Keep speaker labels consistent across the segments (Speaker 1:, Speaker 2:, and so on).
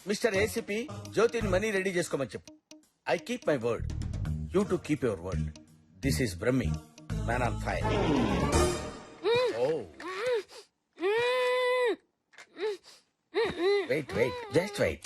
Speaker 1: Mister ACP జ్యోతిని money ready చేసుకోమని చెప్పు. I keep my word, you too keep your word. This is Brahmi, man on fire. Oh wait wait, just wait.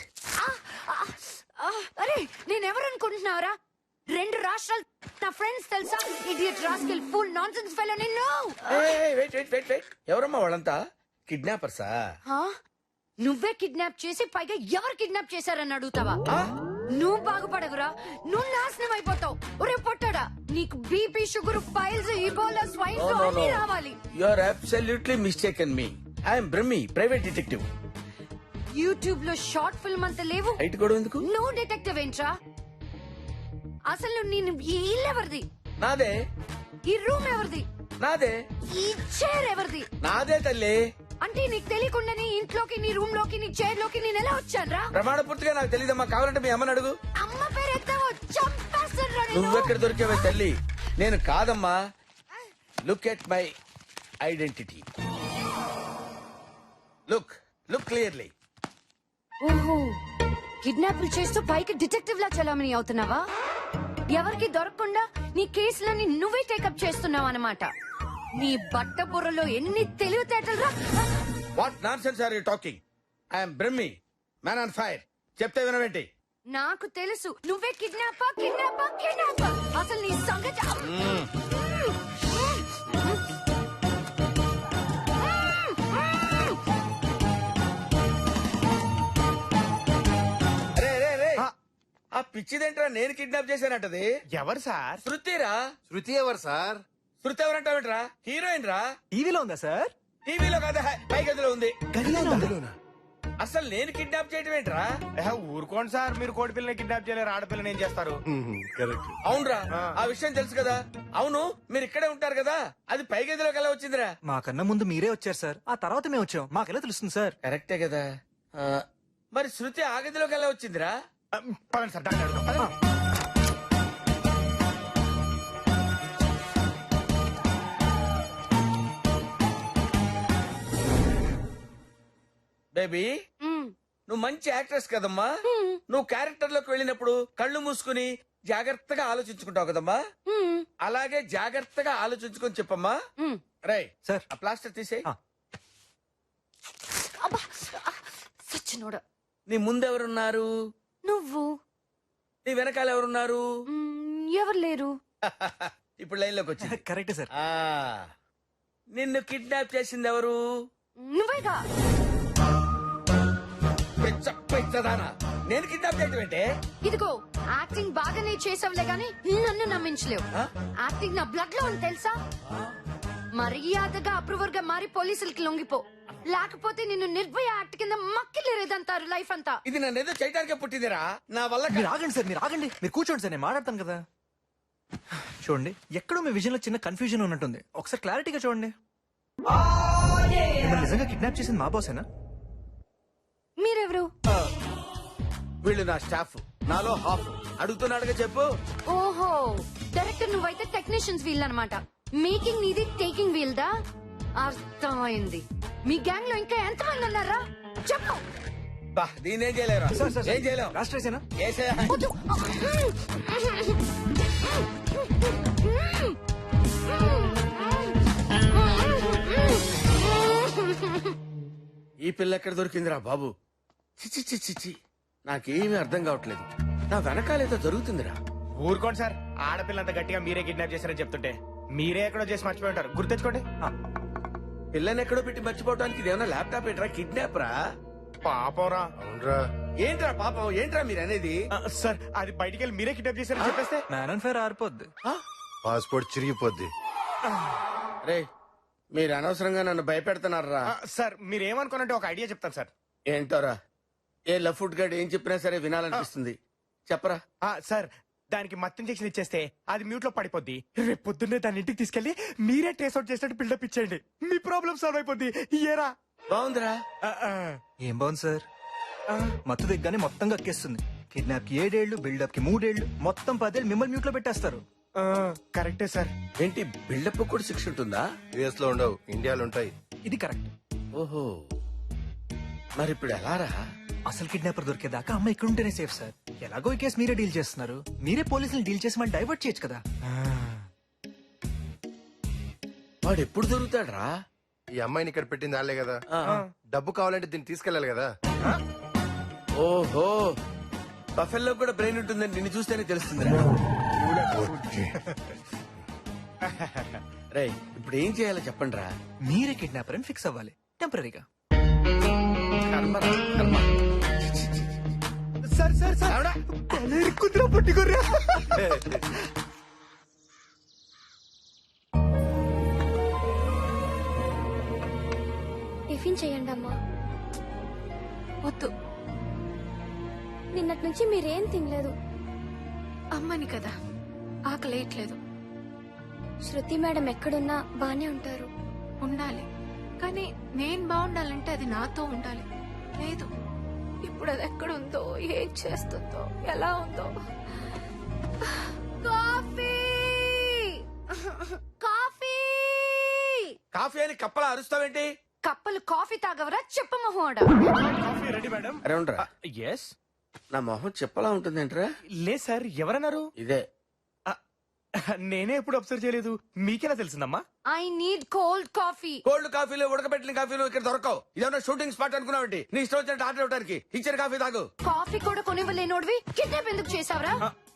Speaker 2: అరే నేనెవరు అనుకుంటున్నావురా? 2 రాష్ట్రాలు నా ఫ్రెండ్స్ తెలుసా? Idiot rascal full nonsense fellow నిన్ను.
Speaker 1: వెయిట్ వెయిట్ వెయిట్ వెయిట్, ఎవరమ్మా వాళ్ళంతా? కిడ్నాపర్సా?
Speaker 2: నువ్వే కిడ్నాప్ చేసి పైగా ఎవరు కిడ్నాప్ చేశారని అడుగుతావా? నువ్వు బాగుపడగురా, నువ్వు నాశనం అయిపోతావు. ఒరే పొట్టడా, నీకు BP, sugar, piles, Ebola, swine flu అన్ని రావాలి.
Speaker 1: You are absolutely mistaken me. I'm Brahmi, private detective.
Speaker 2: YouTube లో షార్ట్ ఫిల్మ్ అంత లేవు,
Speaker 1: హైట్ కూడా ఎందుకు?
Speaker 2: నువ్వు డిటెక్టివ్ ఏంట్రా? అసలు నేను ఈ ఇల్లు ఎవరిది?
Speaker 1: నాదే.
Speaker 2: ఈ రూమ్ ఎవరిది?
Speaker 1: నాదే.
Speaker 2: ఈ చైర్ ఎవరిది?
Speaker 1: నాదే తల్లి.
Speaker 2: అంటే నీకు తెలియకుండానే ఇంట్లోకి, నీ రూమ్ లోకి, నీ చైర్ లోకి నేను ఎలా వచ్చానురా?
Speaker 1: ప్రమాణ పూర్తిగా నాకు తెలియదమ్మా, కావాలంటే మీ అమ్మని అడుగు.
Speaker 2: అమ్మ పేరు ఎత్తావో చంపేస్తానురా నిన్ను.
Speaker 1: నువ్వెక్కడ దొరికావే తల్లి? నేను కాదమ్మా. Look at my identity. Look look clearly.
Speaker 2: ఓహో, కిడ్నాపులు చేస్తూ పైకి డిటెక్టివ్ లా చలామణి అవుతున్నావా? ఎవరికి దొరకకుండా నీ కేసులని నువ్వే టేకప్ చేస్తున్నావు అన్నమాట. నీ బట్ట బుర్రలో ఎన్ని తెలివితేటలురా!
Speaker 1: What nonsense are you talking? I'm Brahmi, man on fire. చెప్తే వినవేంటి?
Speaker 2: నాకు తెలుసు నువ్వే కిడ్నాపర్ కిడ్నాపర్ కిడ్నాపర్. అసలు నీ సంగతి
Speaker 1: ఆ పిచ్చిదేంట్రా నేను కిడ్నాప్ చేశానంటది?
Speaker 3: ఎవరు సార్?
Speaker 1: శృతిరా.
Speaker 4: శృతి ఎవరు సార్?
Speaker 1: శృతి ఎవరంటావేంట్రా? హీరోయిన్ రా.
Speaker 3: టీవీలో ఉందా సార్?
Speaker 1: టీవీలో కదా, పై గదిలో ఉంది.
Speaker 3: గదిలోనా?
Speaker 1: అసలు నేను కిడ్నాప్ చేయటం ఏంట్రా?
Speaker 3: ఊరుకోండి సార్, మీరు కోడి పిల్లని కిడ్నాప్ చేయలేరు, ఆడపిల్లని ఏం చేస్తారు?
Speaker 4: కరెక్ట్.
Speaker 1: అవునరా, ఆ విషయం తెలుసు కదా. అవును, మీరు ఇక్కడే ఉంటారు కదా, అది పై గదిలోకి ఎలా వచ్చిందిరా?
Speaker 5: మాకన్నా ముందు మీరే వచ్చారు సార్, ఆ తర్వాత మేము వచ్చాం. మాకెలా తెలుస్తుంది సార్?
Speaker 1: కరెక్టే కదా. మరి శృతి ఆ గదిలోకి ఎలా వచ్చిందిరా?
Speaker 3: పదండి సార్, డాక్టర్ అడుగుదాం. పదండి.
Speaker 1: బేబీ, నువ్వు మంచి యాక్ట్రెస్ కదమ్మా. నువ్వు క్యారెక్టర్ లోకి వెళ్ళినప్పుడు కళ్ళు మూసుకుని జాగ్రత్తగా ఆలోచించుకుంటావు కదమ్మా. అలాగే జాగ్రత్తగా ఆలోచించుకొని చెప్పమ్మా. రై
Speaker 5: సార్.
Speaker 1: ఆ ప్లాస్టర్ తీసేయ్.
Speaker 2: సచ్చినోడా.
Speaker 1: నీ ముందెవరున్నారు?
Speaker 2: నువ్వు.
Speaker 1: నీ వెనకాల ఎవరున్నారు?
Speaker 2: ఎవరు లేరు.
Speaker 1: ఇప్పుడు లైన్ లోకి వచ్చింది.
Speaker 5: Correct sir.
Speaker 1: నిన్ను కిడ్నాప్ చేసింది ఎవరు?
Speaker 2: నువ్వేగా.
Speaker 1: పిచ్చదానా, నేను కిడ్నాప్ చేయటం ఏంటే?
Speaker 2: ఇదిగో యాక్టింగ్ బాగానే చేసావులే గాని నన్ను నమ్మించలేవు. యాక్టింగ్ నా బ్లడ్ లో ఉంది తెలుసా. మర్యాదగా అప్రూవర్ గా మారి పోలీసులకి లొంగిపో, లేకపోతే నిన్ను నిర్భయ యాక్ట్ కింద మక్కిలేదంటారు లైఫ్ అంతా.
Speaker 1: ఇది నన్ను ఏదో చేయడానికే పుట్టిందిరా, నా వల్ల
Speaker 5: మీరు ఆగండి సార్, మీరు ఆగండి. మీరు కూర్చోండి సార్, నేను మాట్లాడతాను కదా. చూడండి, ఎక్కడో మీ విజన్ లో చిన్న కన్ఫ్యూజన్ ఉన్నట్టుంది. ఒకసారి క్లారిటీగా చూడండి. మిమ్మల్ని నిజంగా కిడ్నాప్ చేసింది మా బాసేనా?
Speaker 2: మీరెవరు?
Speaker 1: వీళ్ళు నా స్టాఫ్, నాలో హాఫ్. అడుగుతున్నాడుగా చెప్పు.
Speaker 2: ఓహో, డైరెక్టర్ నువ్వైతే టెక్నీషియన్స్ వీల్ అన్నమాట. మేకింగ్ నీది, టేకింగ్ వీల్ దా. అర్థమైంది. మీ గ్యాంగ్ లో ఇంకా ఎంతమంది ఉన్నారా చెప్పు.
Speaker 1: దీనేం చేయలేరా? ఏం చేయలేం.
Speaker 5: రాష్ట్రేసేనా?
Speaker 2: వద్దు.
Speaker 1: ఈ పిల్ల ఎక్కడ దొరికిందిరా బాబు? చిచి చిచి చిచి, నాకేమీ అర్థం కావట్లేదు. నా వెనకాలేదో జరుగుతుందిరా.
Speaker 3: ఊరుకోండి సార్, ఆడపిల్లంత గట్టిగా మీరే కిడ్నాప్ చేశారని చెప్తుంటే మీరే ఎక్కడో చేసి మర్చిపోయి ఉంటారు. గుర్తెచ్చుకోండి.
Speaker 1: పిల్లని ఎక్కడో పెట్టి మర్చిపోవడానికి ఇదేమన్నా ల్యాప్టాప్ ఏంట్రా? కిడ్నాప్ రా.
Speaker 3: పాపరా.
Speaker 4: అవునరా.
Speaker 1: ఏంట్రా పాపం? ఏంట్రా మీరు అనేది?
Speaker 3: సార్, అది బయటికి వెళ్ళి మీరే కిడ్నాప్ చేశారని చెప్పేస్తే
Speaker 5: మ్యాన్ అండ్ ఫైర్ ఆరిపోద్ది.
Speaker 4: పాస్పోర్ట్ చిరిగిపోద్ది.
Speaker 1: రే, మీరు అనవసరంగా నన్ను భయపెడుతున్నారా?
Speaker 3: సార్, మీరేమనుకోనంటే ఒక ఐడియా చెప్తాను సార్.
Speaker 1: ఏంటోరా? ఏ లఫ్ట్ గడ్ ఏం చెప్పినా సరే వినాలనిపిస్తుంది. చెప్పరా.
Speaker 3: సార్, దానికి మత్తు ఇంజెక్షన్ ఇచ్చేస్తే అది మ్యూట్ లో పడిపోద్ది. రేపు పొద్దున్నే దాని ఇంటికి తీసుకెళ్లి మీరే ట్రేస్ అవుట్ చేసినట్టు బిల్డప్ ఇచ్చేయండి. మీ ప్రాబ్లం సాల్వ్ అయిపోద్ది. ఏరా?
Speaker 1: బాగుందిరా.
Speaker 5: ఏం బాగుంది సార్? మత్తు దిగ్గానే మొత్తం కక్కేస్తుంది. కిడ్నాప్ కి 7 ఏళ్లు, బిల్డప్ కి 3 ఏళ్లు, మొత్తం 10 ఏళ్ళు మిమ్మల్ని మ్యూట్ లో పెట్టేస్తారు.
Speaker 3: కరెక్టే సార్.
Speaker 1: ఏంటి బిల్డప్ కూడా శిక్ష ఉంటుందా?
Speaker 4: యుఎస్ లో ఉండవు, ఇండియాలో ఉంటాయి.
Speaker 5: ఇది కరెక్ట్.
Speaker 1: ఓహో, మరి ఇప్పుడు ఎలా రా?
Speaker 5: అసలు కిడ్నాపర్ దొరికేదాకా అమ్మ ఇక్కడ ఉంటేనే సేఫ్ సార్. ఎలాగో ఈ కేసు మీరే డీల్ చేస్తున్నారు, మీరే పోలీసులు డీల్ చేసి మళ్ళీ డైవర్ట్ చేయొచ్చు కదా.
Speaker 1: వాడు ఎప్పుడు దొరుకుతాడ్రా?
Speaker 4: ఈ అమ్మాయిని ఇక్కడ పెట్టింది వాళ్ళే కదా. డబ్బు కావాలంటే దీన్ని తీసుకెళ్ళాలి కదా.
Speaker 1: ఓహో, బఫెల్లో కూడా బ్రెయిన్ ఉంటుందని నిన్ను చూస్తేనే తెలుస్తుంది. రేయ్, ఇప్పుడు ఏం చేయాలో చెప్పండి రా.
Speaker 5: మీరే కిడ్నాపర్ అని ఫిక్స్ అవ్వాలి టెంపరీగా.
Speaker 3: సార్ సార్ సార్ కుదిరా పట్టుకోర్రా.
Speaker 6: టిఫిన్ చేయండి అమ్మా.
Speaker 2: వద్దు,
Speaker 6: నిన్నటి నుంచి మీరేం తినలేదు.
Speaker 2: అమ్మని కదా, ఆకలేయట్లేదు.
Speaker 6: శృతి మేడం ఎక్కడున్నా బానే ఉంటారు.
Speaker 2: ఉండాలి, కానీ నేను బాగుండాలంటే అది నాతో ఉండాలి. లేదు, ఇప్పుడు అది ఎక్కడుందో, ఏం చేస్తుందో, ఎలా ఉందో. కాఫీ కాఫీ
Speaker 1: కాఫీ అని కప్పలా అరుస్తావేంటి?
Speaker 2: కప్పలు కాఫీ తాగవరా చెప్ప మొహోడా?
Speaker 3: Coffee ready madam.
Speaker 1: అరే ఉండరా,
Speaker 3: ఎస్.
Speaker 1: నా మొహం చెప్పలా ఉంటుందేంట్రా?
Speaker 3: లేదు సార్, ఎవరన్నారు?
Speaker 1: ఇదే.
Speaker 3: నేనే ఎప్పుడు అబ్జర్వ్ చేయలేదు, మీకెలా తెలిసిందమ్మా?
Speaker 2: I need cold coffee.
Speaker 1: Cold కాఫీలు, ఉడకబెట్టిన కాఫీలు ఇక్కడ దొరకవు. ఇదేమన్నా షూటింగ్ స్పాట్ అనుకున్నావంటి? నీ ఇష్టం వచ్చినట్టు ఆర్డర్ ఇవ్వడానికి. ఇచ్చిన కాఫీ తాగు.
Speaker 2: కాఫీ కూడా కొనివ్వలేనోడివి కిడ్నాప్ ఎందుకు చేసావరా?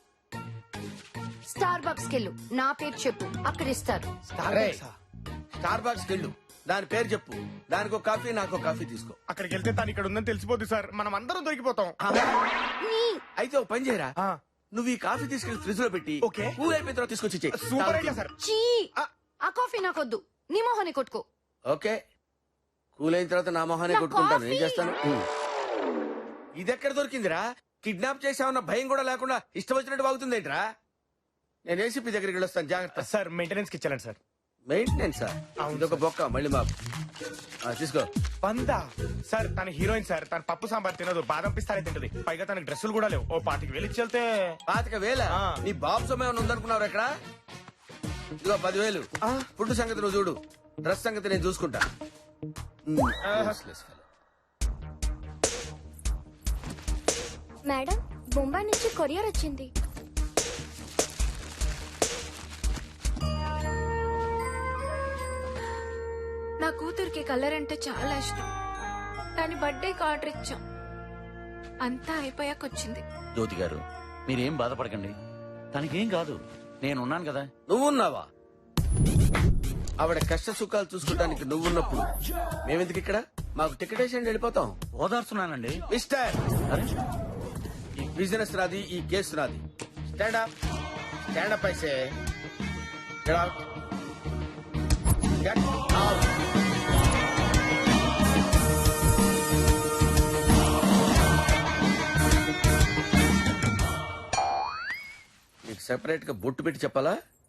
Speaker 2: స్టార్ బక్స్ కెళ్ళు, నా పేరు చెప్పు, అక్కడ ఇస్తారు.
Speaker 1: స్టార్ బాక్స్ వెళ్ళు, దాని పేరు చెప్పు, దానికి ఒక కాఫీ, నాకు ఒక కాఫీ తీసుకో.
Speaker 3: అక్కడికి వెళ్తే తను ఇక్కడ ఉందని తెలిసిపోద్ది సార్, మనం అందరం దొరికిపోతాం.
Speaker 1: అయితే ఒక పని చేయరా, నువ్వు ఈ కాఫీ తీసుకెళ్లి ఫ్రిడ్జ్ లో పెట్టి
Speaker 3: ఓకే.
Speaker 1: కూల్ అయిపోయిన తర్వాత తీసుకొచ్చి ఇచ్చేయ్.
Speaker 3: Super idea sir.
Speaker 2: చీ, ఆ కాఫీ నాకొద్దు, నీ మొహాన్ని కొట్టుకో.
Speaker 1: ఓకే, కూల్ అయిన తర్వాత నా మొహాన్ని
Speaker 2: నా
Speaker 1: కొట్టుకుంటాను. ఏం
Speaker 2: కాఫీ.
Speaker 1: చేస్తాను? ఇది ఎక్కడ దొరికిందిరా? కిడ్నాప్ చేసామన్న భయం కూడా లేకుండా ఇష్టం వచ్చినట్టు వాగుతుందేంట్రా? నేను ఏసీపీ దగ్గరికి వెళ్ళొస్తాను, జాగ్రత్త.
Speaker 3: సార్ మెయింటెనెన్స్ కి ఇచ్చాలండి సార్.
Speaker 1: మెయింటెనెన్స్ ఇదొక బొక్క, మళ్ళీ మా తీసుకో.
Speaker 3: వందా సార్, తన హీరోయిన్ సార్, తన పప్పు సాంబార్ తినదు, బాదం పిస్తానే తింటది, పైగా తనకి డ్రెస్సులు కూడా లేవు. ఓ 25,000 ఇచ్చెళ్తే.
Speaker 1: 25,000?
Speaker 3: ఆ.
Speaker 1: నీ బాబు సమయం ఉందనుకున్నావు ఇక్కడ. ఇదిగో 10,000. ఫుడ్ సంగతి నువ్వు చూడు, డ్రెస్ సంగతి నేను చూసుకుంటా.
Speaker 6: మేడం, బొంబాయి నుంచి కొరియర్ వచ్చింది.
Speaker 2: నా కూతురికి కలర్ అంటే చాలా ఇష్టం. దాని బర్త్డేకి ఆర్డర్ ఇచ్చాం, అంతా అయిపోయాక వచ్చింది.
Speaker 7: జ్యోతి గారు, మీరేం బాధపడకండి, తనకేం కాదు, నేనున్నాను కదా.
Speaker 1: నువ్వున్నావా? ఆవిడ కష్ట సుఖాలు చూసుకోవడానికి నువ్వున్నప్పుడు మేమెందుకు ఇక్కడ? మాకు టికెట్ వేసి వెళ్ళిపోతాం.
Speaker 7: ఓదార్చున్నానండి.
Speaker 1: మిస్టర్,
Speaker 7: అరే,
Speaker 1: ఈ బిజినెస్ నాది, ఈ కేసు నాది. స్టాండ్ అప్, స్టాండ్ అప్ అయితే. Get out. Get out. నీకు సెపరేట్ గా బొట్టు పెట్టి చెప్పాలా?